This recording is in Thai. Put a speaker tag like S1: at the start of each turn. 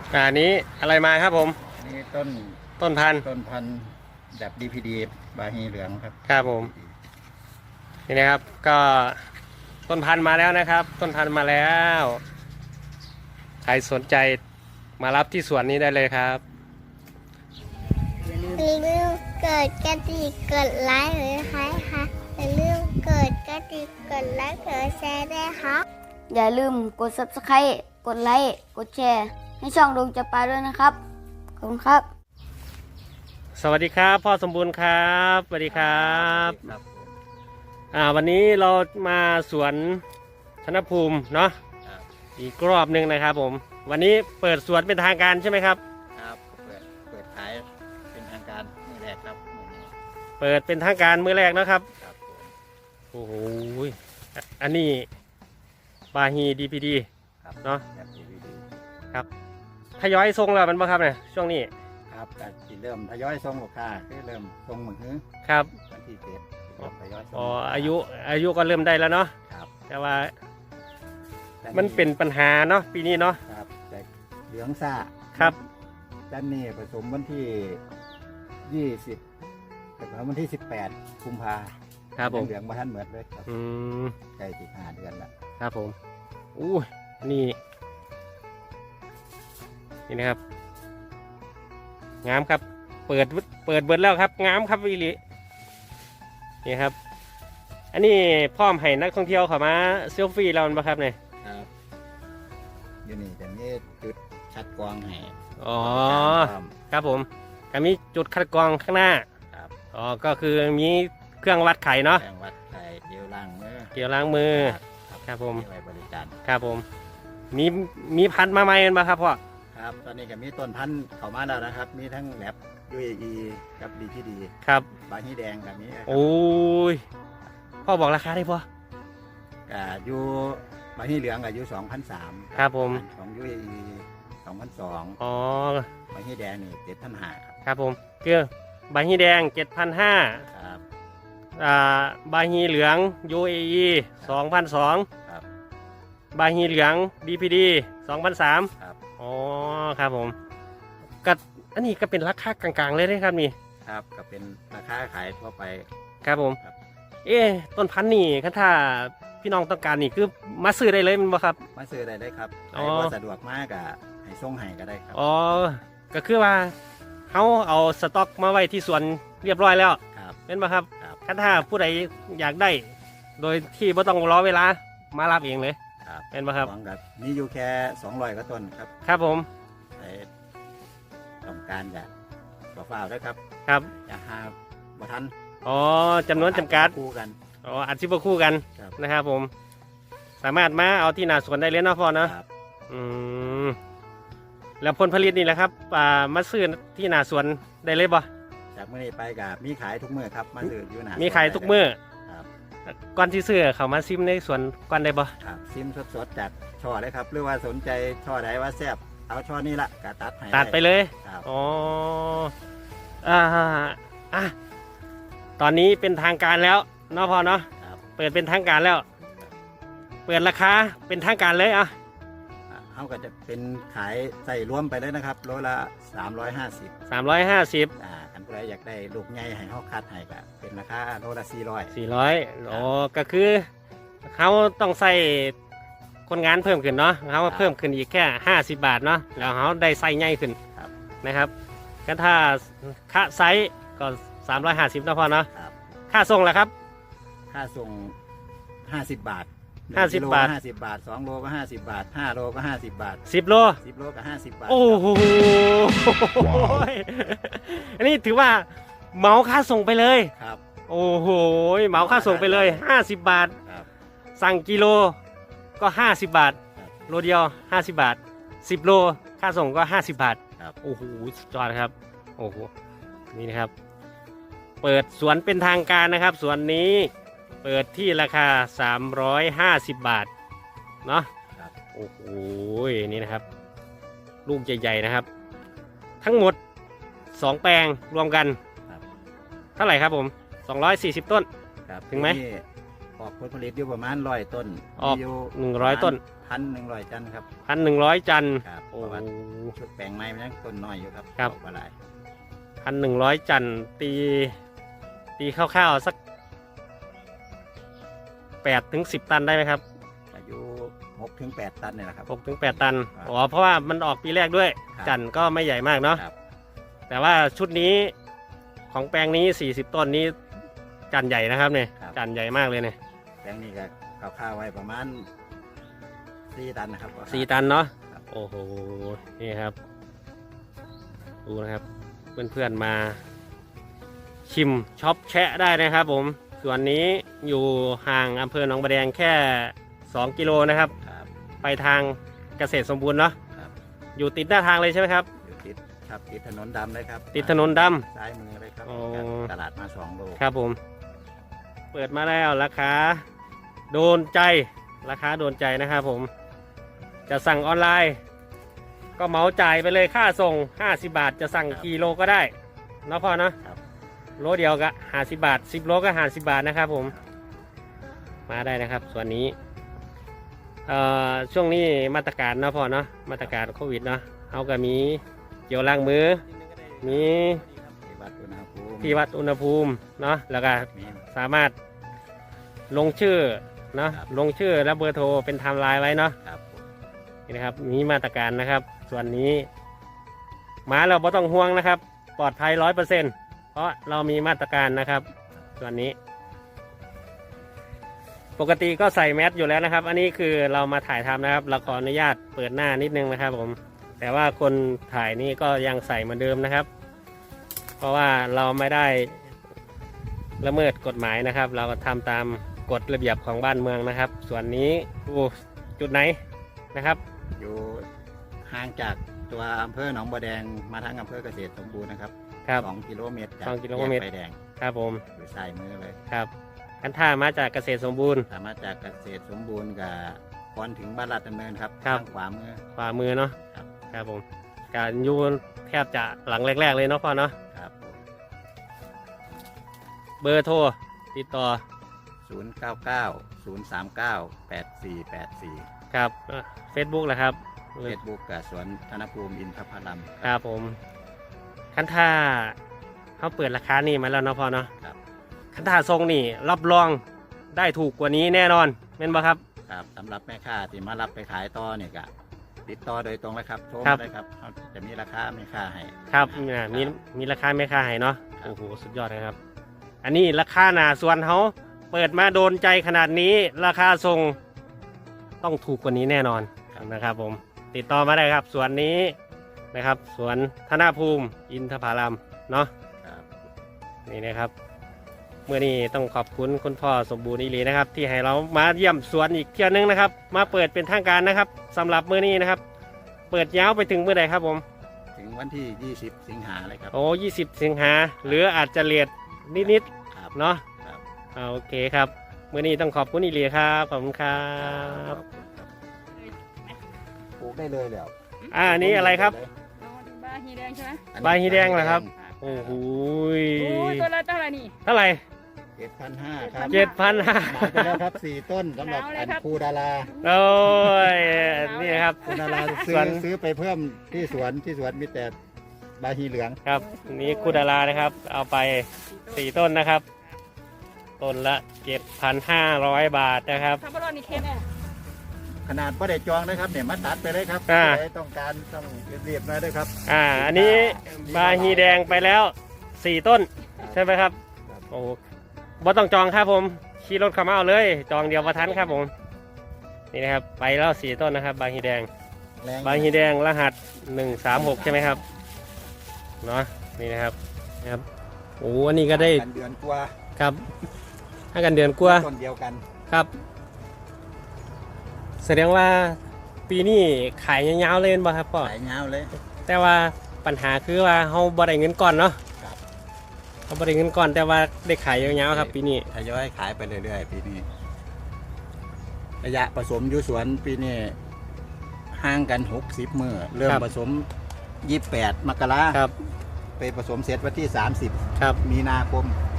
S1: อันนี้อะไรมาครับผม
S2: อันนี้ต้
S1: ต้นพันธุ์
S2: แบบ DPD บาฮีเหลืองครับ
S1: ครับผมนี่นะครับก็ต้นพันธุ์มาแล้วนะครับ ต้นพันธุ์มาแล้วใครสนใจมารับที่สวนนี้ได้เลยครับ
S3: อย่าลืมกดกระดิ่งกดไลค์หรือใครคะอย่าลืมกดกระดิ่งกดไลค์กดแชร์ด้วยค่ะ
S4: อย่าลืมกด Subscribe กดไลค์กดแชร์ให้ช่องดวงจะปาด้วยนะครับขอบคุณครับ
S1: สวัสดีครับพ่อสมบูรณ์ครับสวัสดีครับวันนี้เรามาสวนธนภูมิเนาะอีกรอบหนึ่งนะครับผมวันนี้เปิดสวนเป็นทางการใช่ไหมครับ
S2: ครับเปิดขายเป็นทางการมื้อแรกครับ
S1: เปิดเป็นทางการมื้อแรกนะครับ
S2: ครับ
S1: โอ้โหอันนี้บาฮี DPD เนาะครับทยอยส่งแล้วมันบ้างครับเนี่ยช่วงนี้
S2: ครับแต่เริ่มทยอยส่งลูกค้าคือเริ่มส่งมือถือ
S1: ครับ
S2: วันที่7ทยอยส่ง
S1: อายุก็เริ่มได้แล้วเนาะ
S2: ครับ
S1: แต่ว่ามันเป็นปัญหาเนาะปีนี้เนาะ
S2: ครับแต่เหลืองซ่า
S1: ครับ
S2: ด้านนี้ผสมวันที่20แต่วันที่18กุมภา
S1: ครับผม
S2: เหลืองมาท่านเหมือนเลยครับใกล้ถึง5 เดือนแล้ว
S1: ครับผมอู้นี่นะครับงามครับเปิดเบิดแล้วครับงามครับวิลินี่ครับอันนี้พร้อมให้นักท่องเที่ยวเข้ามาเซลฟี่เราบ้างครับเนี่ย
S2: ครับอยู่นี่แต่นี่จุดคัดกรองให้
S1: อ๋อครับผมก็มีจุดคัดกรองข้างหน้า
S2: ครับ
S1: อ๋อก็คือมีเครื่องวัดไข่เนาะ
S2: เครื่องวัดไข่เจลล้าง
S1: มือครับผม
S2: ไว้บริการ
S1: ครับผมมีพันธุ์มาใหม่กันบ้างครับพ่อ
S2: ครับตอนนี้ก็มีต้นพันธุ์เข้ามาแล้วนะครับมีทั้งแลบ UAE กับ DPD
S1: ครับ
S2: บาฮีแดงกับนี้
S1: โอ้ยพ่อบอกราคาได้พ่อ
S2: อยู่บาฮีเหลืองกับอยู่2,300
S1: ครับผม
S2: ของ UAE 2,200
S1: อ๋อบ
S2: าฮีแดงนี่7,500
S1: ครับผมเกลือบาฮีแดง 7,500
S2: ครับ
S1: บาฮีเหลือง UAE 2,200
S2: ครับ
S1: บาฮีเหลือง DPD 2,300
S2: ครับ
S1: อ๋อครับผมก็อันนี้ก็เป็นราคากลางๆเลยนะครับนี่
S2: ครับก็เป็นราคาขายทั่วไป
S1: ครับผมต้นพันธุ์นี่ถ้าพี่น้องต้องการนี่คือมาซื้อได้เลยมั้ยบ่ครับ
S2: มาซื้อได้ครับใครว่าสะดวกมากก็ให้ส่งให้ก็ได้ครับ
S1: อ๋อก็คือว่าเขาเอาสต็อกมาไว้ที่สวนเรียบร้อยแล้วเป็นป่ะครับถ้าผู้ใดอยากได้โดยที่ไม่ต้องรอเวลามารับเองเลยเป็นป่ะครับ
S2: นี่อยู่แค่200กว่าต้นครับ
S1: ครับผม
S2: ต้องการจะฝ่าด้วยครับ
S1: ครับ
S2: จะหาบ่ทัน
S1: อ๋อจำนวนจำกัด
S2: คู่กัน
S1: อ๋ออัดชิบคู่กันนะครับผมสามารถมาเอาที่หน้าสวนได้เลยเนาะพ่อเนาะแล้วผลผลิตนี่แหละครับมาซื้อที่หน้าสวนได้เลยบ่
S2: จากเมื่อนี้ไปกับมีขายทุกมื้อครับมาซื้ออยู่หน้า
S1: มีขายทุกมื้อก่อนที่ซื้อเขามาซิมในสวนก่อนได้บ่
S2: ครับซิมสดๆจากช่อเลยครับหรือว่าสนใจช่อใดว่าแซ่บเอาช่อนี้ละกะตัด
S1: ไปเลยอ๋อตอนนี้เป็นทางการแล้วเนาะพ่อเนาะเปิดเป็นทางการแล้วเปิดราคาเป็นทางการเลย
S2: เขาก็จะเป็นขายใส่รวมไปเลยนะครับโลละ350
S1: กัน
S2: ผู้ใดอยากได้ลูกใหญ่ให้เขาคัดให้ก็เป็นราคาโลละ
S1: 400อ๋อก็คือเขาต้องใส่คนงานเพิ่มขึ้นเนาะเขาเพิ่มขึ้นอีกแค่50 บาทเนาะแล้วเขาได้ไซส์ใหญ่ขึ้นนะครับก็ถ้าค่าไซส์ก็350นะพ่อเนาะค่าส่งล่ะครับ
S2: ค่าส่ง50 บาท
S1: 50 บาท
S2: 50 บาท2 โลก็50 บาท5 โลก็50 บาท
S1: 10 โล
S2: ก็50 บาท
S1: โอ้โหอันนี้ถือว่าเหมาค่าส่งไปเลย
S2: ครับ
S1: โอ้โหเหมาค่าส่งไปเลย50 บาทสั่งกิโลก็50 บาทโลเดียว50 บาท10 โลค่าส่งก็50 บาทโอ้โหสุดยอดครับโอ้โหนี่นะครับเปิดสวนเป็นทางการนะครับสวนนี้เปิดที่ราคา350 บาทเนาะโอ้โหนี่นะครับลูกใหญ่ๆนะครับทั้งหมด2 แปลงรวมกันเท่าไหร่ครับผม240 ต้นถึงไหม
S2: ออกผลผลิตอยู่ประมาณ100 ต้น
S1: ออก100 ต้น
S2: 1,100 จันครับ
S1: 1,100 จัน
S2: ครับเพ
S1: โอ้
S2: ราะ
S1: โห
S2: ว่าชุดแปลงไม้มันยังต้นน้อยอยู่ครับ
S1: ครับ
S2: ออกมาหลาย
S1: 1,100 จันตีคร่าวๆสัก8 ถึง 10 ตันได้ไหมครับ
S2: อายุ6 ถึง 8 ตันเนี่ยแหละครับ
S1: 6 ถึง 8 ตัน
S2: ครับ
S1: อ๋อเพราะว่ามันออกปีแรกด้วย
S2: ครับ
S1: จันก็ไม่ใหญ่มากเนาะ
S2: ครับ
S1: แต่ว่าชุดนี้ของแปลงนี้40 ต้นนี้จันใหญ่นะครับเนี่ยจันใหญ่มากเลยเนี่ย
S2: แปลงนี้ก็ข้าวๆไว้ประมาณ4 ตันนะครับ
S1: 4 ตันเนาะ
S2: ครับ
S1: โอ้โหนี่ครับดูนะครับเพื่อนๆมาชิมช็อปแชะได้นะครับผมส่วนนี้อยู่ห่างอำเภอหนองบัวแดงแค่2 กิโลนะครับ
S2: ครับ
S1: ไปทางเกษตรสมบูรณ์เนาะ
S2: ครับ
S1: อยู่ติดหน้าทางเลยใช่ไหมครับ
S2: อยู่ติดครับติดถนนดำเลยครับ
S1: ติดถนนด
S2: ซ้ายมือเลยครับ
S1: อ๋อ
S2: จากตลาดมา2 โล
S1: ำครับผม เปิดมาแล้วราคาโดนใจราคาโดนใจนะครับผมจะสั่งออนไลน์ ก็เหมาจ่ายไปเลยค่าส่ง50 บาทจะสั่งกี่โลก็ได้เนาะพ่อเนาะ
S2: ครับ
S1: โลเดียวก็50 บาท10 โลก็50 บาทนะครับผมมาได้นะครับส่วนนี้ช่วงนี้มาตรการเนาะพ่อเนาะมาตรการโควิดเนาะเอาก็มีเจลล้างมือมี
S2: ที่วัดอุณหภูมิ
S1: ที่วัดอุณหภูมิเนาะแล้วก็
S2: มี
S1: สามารถลงชื่อเนาะ
S2: ครับ
S1: ลงชื่อและเบอร์โทรเป็นไทม์ไลน์ไว้เนาะ
S2: ครับผม
S1: นี่นะครับมีมาตรการนะครับ ส่วนนี้มาเราไม่ต้องห่วงนะครับ ปลอดภัย100%เพราะเรามีมาตรการนะครับ ส่วนนี้ ปกติก็ใส่แมสอยู่แล้วนะครับ อันนี้คือเรามาถ่ายทำนะครับเราขออนุญาตเปิดหน้านิดนึงนะครับผมแต่ว่าคนถ่ายนี่ก็ยังใส่เหมือนเดิมนะครับ เพราะว่าเราไม่ได้ละเมิดกฎหมายนะครับ เราทำตามกฎระเบียบของบ้านเมืองนะครับ ส่วนนี้จุดไหนนะครับ
S2: อยู่ห่างจากตัวอำเภอหนองบัวแดงมาทางอำเภอเกษตรสมบูรณ์นะครับ
S1: ครับ
S2: 2 กิโลเมตรจาก
S1: 2 กิโลเมตร
S2: แยไฟแดง
S1: ครับผม
S2: อยู่ซ้ายมือเลย
S1: ครับกันท่ามาจากเกษตรสมบูรณ์
S2: สามารถจากเกษตรสมบูรณ์กับก่อนถึงบ้านลาดดำเนินครับ
S1: ครับ
S2: ทางขวามือ
S1: ขวามือเนาะ
S2: ครับ
S1: ครับผมการยูแทบจะหลังแรกๆเลยเนาะพ่อเนาะ
S2: ครับผม
S1: เบอร์โทรติดต่อ
S2: 099-039-8484
S1: ครับเฟซบุ๊กแหละครับ
S2: เฟซบุ๊กกับสวนธนภูมิอินทพลัม
S1: ครับผมคันท่าเขาเปิดราคานี่มาแล้วเนาะพ่อเนาะ
S2: ครับ
S1: คันท่าทรงนี่รับรองได้ถูกกว่านี้แน่นอนเป็นบ่ครับ
S2: ครับสำหรับแม่ค้าที่มารับไปขายต่อเนี่ยก็ติดต่อโดยตรงเลยครับโทร
S1: ครั
S2: มา
S1: บ
S2: ได้ครับเขาจะมีราคาแม่ค้าให้
S1: ครับมีราคาไม่ค่าให้เนาะ
S2: ครับ
S1: โอ้โหสุดยอดนะครับ อันนี้ราคาหนาส่วนเขาเปิดมาโดนใจขนาดนี้ ราคาทรงต้องถูกกว่านี้แน่นอนนะครับผมติดต่อมาได้ครับสวนนี้นะครับสวนธนภูมิอินทผลัมเนาะ
S2: ครับ
S1: นี่นะครับเมื่อนี้ต้องขอบคุณคุณพ่อสมบูรณ์อีหลีนะครับ ที่ให้เรามาเยี่ยมสวนอีกเที่ยวนึงนะครับ มาเปิดเป็นทางการนะครับสำหรับมื้อนี้นะครับ เปิดยาวไปถึงเมื่อใดครับผม
S2: ถึงวันที่ 20 สิงหาเลยครับ
S1: โอ้20 สิงหาหรืออาจจะเลียดนิด
S2: ครับ
S1: ๆเนาะ
S2: ครับ
S1: โอเคครับมื้อนี้ต้องขอบคุณอีหลีครับขอบคุณครั
S2: ครับ บปลูกได้เลยแล้ว
S1: อันนี้อะไรครับ
S5: บาฮีแดงใช่ไหม
S1: ใบฮีแดงเหรอครับ โอ้โห
S5: โอ้ยตัวละเท่าไหร่นี่
S1: เท่าไหร่
S2: 7,500ครับ
S1: 7,500
S2: หมายไปแล้วครับ 4 ต้นสำหรับ
S5: เอาเลย
S2: อัน
S5: ครับ
S2: ครูดารา
S1: โอ้ยนี่ครับ
S2: ครูดาราซื้
S1: ส
S2: อ
S1: วน
S2: ซื้อไปเพิ่มที่สวนมีแต่ใบฮีเหลือง
S1: ครับนี่คุดารานะครับ เอาไป4 ต้นนะครับ ต้นละ 7,500 บาทนะครับ
S5: ถ้าบอลนี่เคนเนี่ย
S2: ขนาดไม่ได้จองนะครับเนี่ยมาตัดไปเลยครับ
S1: อ่า
S2: ใครต้องการต้องเรียบๆหน่อยด้วยครับ
S1: อันนี้บาฮีแดงไปแล้ว4 ต้นใช่ไหมครับ
S2: ครับ
S1: โอ้บ่ต้องจองครับผมขี่รถเข้ามาเอาเลย จองเดียวประทันครับผมนี่นะครับไปแล้ว4 ต้นนะครับบาฮีแดง
S2: แรง
S1: บาฮีแดงรหัส136ใช่ไหมครับเนาะนี่นะครับโอ้อันนี้ก็ได้
S2: กันเดือนกว่า
S1: ครับให้กันเดือนกว่า
S2: ต้นเดียวกัน
S1: ครับ แสดงว่าปีนี้ขายยาวๆเลยบ่ครับพ่อ
S2: สายเงาวเลย
S1: แต่ว่าปัญหาคือว่าเขาบ่ได้เงินก่อนเนาะ
S2: ครับ
S1: เขาบ่ได้เงินก่อนแต่ว่าได้ขายยาวๆครับ ปีนี้
S2: ทยอยขายไปเรื่อยๆปีนี้ระยะผสมอยู่สวนปีนี้ห่างกัน60 มื้อเริ่มผสม28 มกรา
S1: ครับ
S2: ไปผสมเสร็จวันที่ 30
S1: ครับ
S2: มีนาคม